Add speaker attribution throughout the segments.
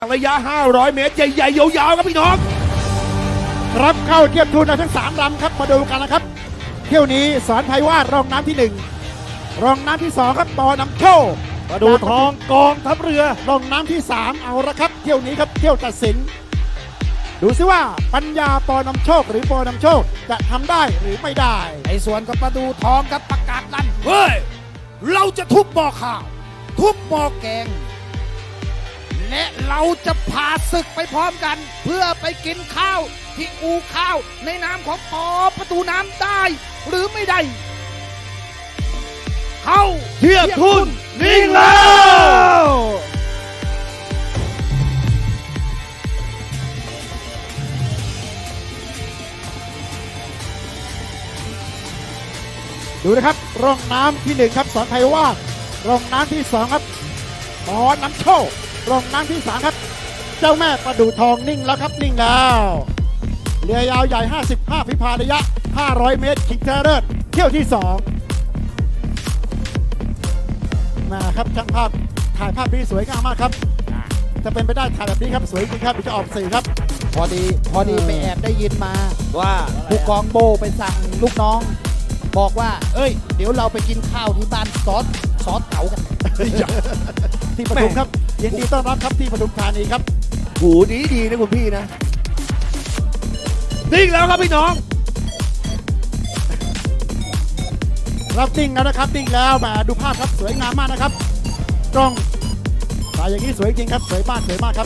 Speaker 1: ระยะ 500 เมตรใหญ่ๆยาวๆครับพี่น้อง
Speaker 2: รับเข้าเทียบทุนทั้ง3ลำครับมาดูกันนะครับเที่ยวนี้สอนไพวาดรองน้ำที่1รองน้ำที่2ครับปอนำโชค
Speaker 1: มาดูทองกองทัพเรือ
Speaker 2: รองน้ำที่3เอาละครับเที่ยวนี้ครับเที่ยวตัดสินดูซิว่าปัญญาปอนำโชคหรือปอนำโชคจะทำได้หรือไม่ได้
Speaker 3: ในส่วนกับประดูทองกับประกาศลั่น
Speaker 1: เฮ้ย เราจะทุบบ่อข่าว
Speaker 3: ทุบหม้อแกง และเราจะพาศึกไปพร้อมกัน เพื่อไปกินข้าวที่อูข้าวในนามของปอประตูน้ำได้ หรือไม่ได้ เข้า
Speaker 1: เทียบทุนนิ่งแล้ว
Speaker 2: ดูนะครับรองน้ำที่1ครับสอนไพวาดรองน้ำที่2ครับปอนำโชครองน้ำที่3ครับเจ้าแม่ประดูทองนิ่งแล้วครับนิ่งแล้วเรือยาวใหญ่55ฝีพายระยะ500 เมตรชิงชนะเลิศเที่ยวที่2มาครับช่างภาพถ่ายภาพนี้สวยงามมากครับจะเป็นไปได้ถ่ายแบบนี้ครับสวยจริงครับเดี๋ยวจะออกสื่อครับ
Speaker 3: พอดีไปแอบได้ยินมา
Speaker 1: ว่า
Speaker 3: ผู้กองโบไปสั่งลูกน้อง บอกว่า เอ้ย เดี๋ยวเราไปกินข้าวที่บ้านซอสเต๋ากัน
Speaker 2: ที่ปทุมครับยินดีต้อนรับครับที่ปทุมธานีครับ
Speaker 1: หูดีนะคุณพี่นะ นิ่งแล้วครับพี่น้อง
Speaker 2: รับนิ่งแล้วนะครับนิ่งแล้วมาดูภาพครับสวยงามมากนะครับกล้องสายอย่างนี้สวยจริงครับสวยมากครับ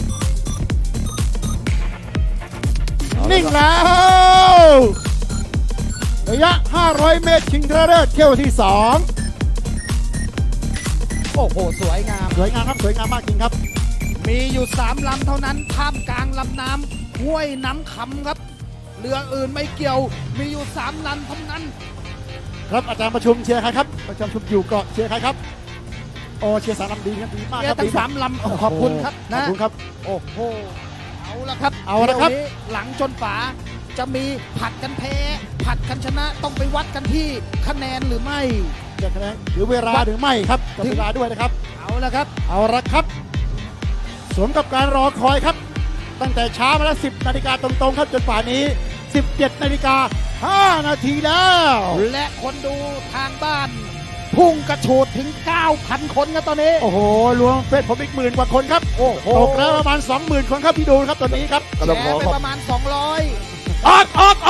Speaker 2: นิ่งแล้วระยะ500 เมตรชิงชนะเลิศเที่ยวที่2
Speaker 3: โอ้โห สวยงาม
Speaker 2: สวยงามครับสวยงามมากจริงครับ
Speaker 3: มีอยู่3ลำเท่านั้นท่ามกลางลำน้ำห้วยน้ำคำครับ เรืออื่นไม่เกี่ยว มีอยู่3ลำเท่านั้น
Speaker 2: ครับอาจารย์ประชุมเชียร์ใครครับประชุมอยู่เกาะเชียร์ใครครับโอ้เชียร์3 ลำดีครับดีมาก
Speaker 3: เรือ
Speaker 2: ครับ
Speaker 3: ทั้
Speaker 2: ดี
Speaker 3: ง
Speaker 2: มาก
Speaker 3: 3ลำขอบคุณครับ
Speaker 2: ขอ
Speaker 3: นะ
Speaker 2: บคุณครับ
Speaker 3: โอ้โห เอาละครับ
Speaker 2: เอาละครับ
Speaker 3: เที่ยวนี้หลังจนฝาจะมีผัดกันแพ้ ผัดกันชนะต้องไปวัดกันที่คะแนนหรือไม่
Speaker 2: จะคะแนนหรือเวลาหรือไม่ครับกับเวลาด้วยนะครับ
Speaker 3: เอาละครับ
Speaker 2: เอาละครับสมกับการรอคอยครับ ตั้งแต่เช้ามาแล้ว10 นาฬิกาตรงๆครับจนป่านนี้ 17 นาฬิกา 5 นาทีแล้ว
Speaker 3: และคนดูทางบ้าน พุ่งกระโฉดถึง 9,000 คนครับตอนนี้
Speaker 2: โอ้โหรวมเฟซผมอีก10,000 กว่าคนครับ
Speaker 3: โอ้โห
Speaker 2: ตกแล้วประมาณ 20,000 คนครับพี่ดูครับตอนนี้ครับ
Speaker 3: แชร์ไปประมาณ 200
Speaker 1: ออก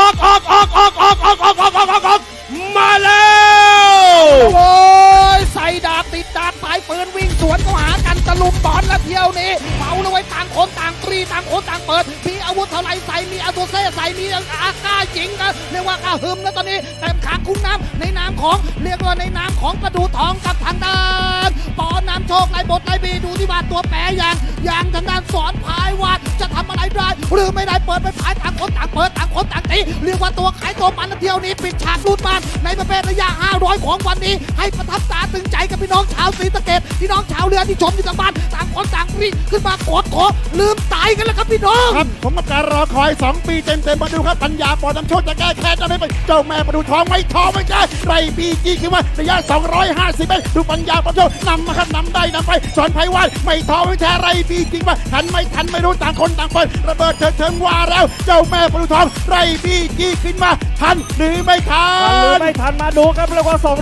Speaker 1: มาแล้ว
Speaker 3: โอ้ยใส่ดาบติดดาบสายปืนวิ่งสวนเข้าหากันตะลุมบอลและเที่ยวนี้เมาเลยไว้ต่างคนต่างปรีต่างคนต่างเปิดมีอาวุธเท่าไรใส่มีอาตัวเซ่ใส่มีอาก้าจริงนะเรียกว่ากล้าหึมแล้วตอนนี้เต็มขางคุ้งน้ำในนามของเรียกว่าในนามของประดูทองกับทางด้านปอน้ำโชคไล่บทไล่บีดูที่ว่าตัวแปรอย่างทางด้านสอนพายว่าจะทำอะไรได้หรือไม่ได้เปิดไปพายต่างคนต่างเปิดต่างคนต่างตีเรียกว่าตัวขายตัวมันเที่ยวนี้ปิดฉากรูดมันในประเภทระยะ 500 ของวันนี้ให้ประทับตาตึงใจกับพี่น้องชาวศรีสะเกษพี่น้องชาวเรือที่ชมอยู่ทางบ้านต่างคนต่างรีขึ้นมากดขอลืมตายกันแล้วครับพี่น้อง
Speaker 2: ครับผมกับการรอคอย 2 ปีเต็มๆมาดูครับปัญญาปอน้ำโชคจะแก้แค้นจะได้ไปเจ้าแม่ประดูทองไม่ท้อไม่แก้ไรบีจีคือว่าระยะ 250 เมตรดูปัญญาปอน้ำโชคนำมาครับนำได้นำไปสอนไพวาดไม่ท้อไม่แท้ไรบีจีว่าทันไม่รู้ต่างคนต่างเปิดระเบิดเถิงว่าแล้วเจ้าแม่ประดูทองไรบีจีขึ้นมาทันหรือไม่ทั
Speaker 1: หรือน ไม่ทันมาดูครับแล้วก็200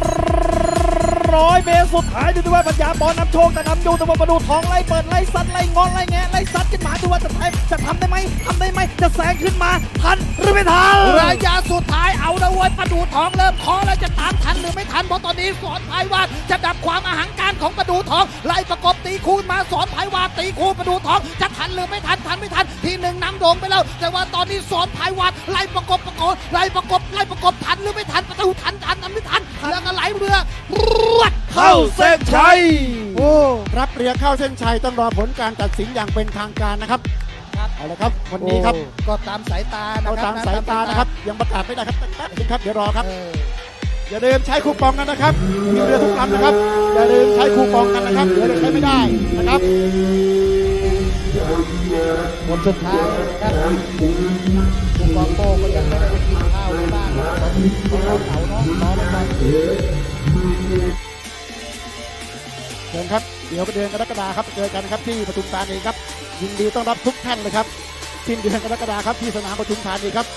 Speaker 1: เมตรสุดท้ายดูด้วยปัญญาบอลนำโชคแต่นำอยู่แต่ว่าประดูทองไล่เปิดไล่ซัดไล่งอนไล่แงะไล่ซัดขึ้นมาดูว่าจะทำได้ไหมจะแซงขึ้นมาทันหรือไม่ทัน
Speaker 3: ระยะสุดท้ายเอาละเว้ยประดูทองเริ่มเคอแล้วจะตามทันหรือไม่ทันเพราะตอนนี้สอนไพวาดจะดับความอหังการของประดูทองไล่ประกบตีคู่มาสอนไพวาดตีคู่ประดูทองจะทันหรือไม่ทันไม่ทันทีหนึ่งนำโด่งไปแล้วแต่ว่าตอนนี้สอนไพวาดไล่ประกบไล่ประกบทันหรือไม่ทันประตูทันไม่ทันแล้วก็ไหลเรือรวด
Speaker 1: เข้าเส้นชัย
Speaker 2: โอ้รับเรือเข้าเส้นชัยต้องรอผลการตัดสินอย่างเป็นทางการนะครับเอาละครับวันนี้ครับ
Speaker 3: ก็ตามสายตานะ
Speaker 2: เอา
Speaker 3: ครับ
Speaker 2: ตามสายตานะครับยังประกาศไม่ได้ครับแป๊บนึงครับเดี๋ยวรอครับ
Speaker 3: เออ
Speaker 2: อย่าลืมใช้คูปองกันนะครับมีเรือทุกลำนะครับอย่าลืมใช้คูปองกันนะครับเดี๋ยวเราใช้ไม่ได้นะครับ
Speaker 3: หมดสุดท้ายนะครับคุณกองโป้ก็ยังไม่ได้ไปกินข้าวในบ้านนะครับเขาเนาะรอไปก่อน
Speaker 2: เชิญครับเดี๋ยวเดือนกรกฎาคมครับเจอกันครับที่ปทุมธานีครับยินดีต้อนรับทุกท่านเลยครับสิ้นเดือนกรกฎาคมครับที่สนามปทุมธานีครับ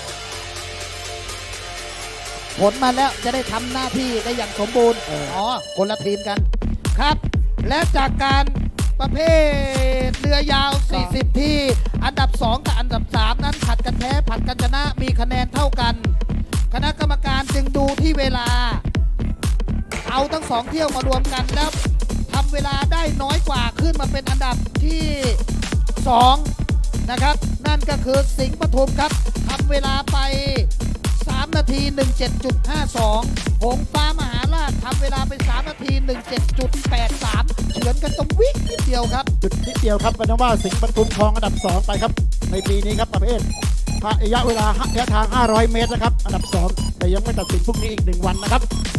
Speaker 3: ผลมาแล้วจะได้ทำหน้าที่ได้อย่างสมบูรณ์คนละทีมกันครับ และจากการประเภทเรือยาว 40 ที่อันดับ 2 กับอันดับ 3 นั้นผัดกันแพ้ผัดกันชนะมีคะแนนเท่ากัน คณะกรรมการจึงดูที่เวลา เอาทั้ง 2 เที่ยวมารวมกันแล้วทำเวลาได้น้อยกว่าขึ้นมาเป็นอันดับที่ 2 นะครับ นั่นก็คือสิงห์ปทุมครับทำเวลาไป 3 นาที 17.52 หงส์ฟ้ามหาราชทำเวลาไป 3 นาที 17.83 เฉือนกันตรงวินิดเดียวครับ
Speaker 2: จุดนิดเดียวครับเป็นว่าสิงห์ปทุมครองอันดับ 2 ไปครับในปีนี้ครับประเภทระยะเวลาระยะทาง 500 เมตรนะครับอันดับ 2 แต่ยังไม่ตัดสินพรุ่งนี้อีก 1 วันนะครับ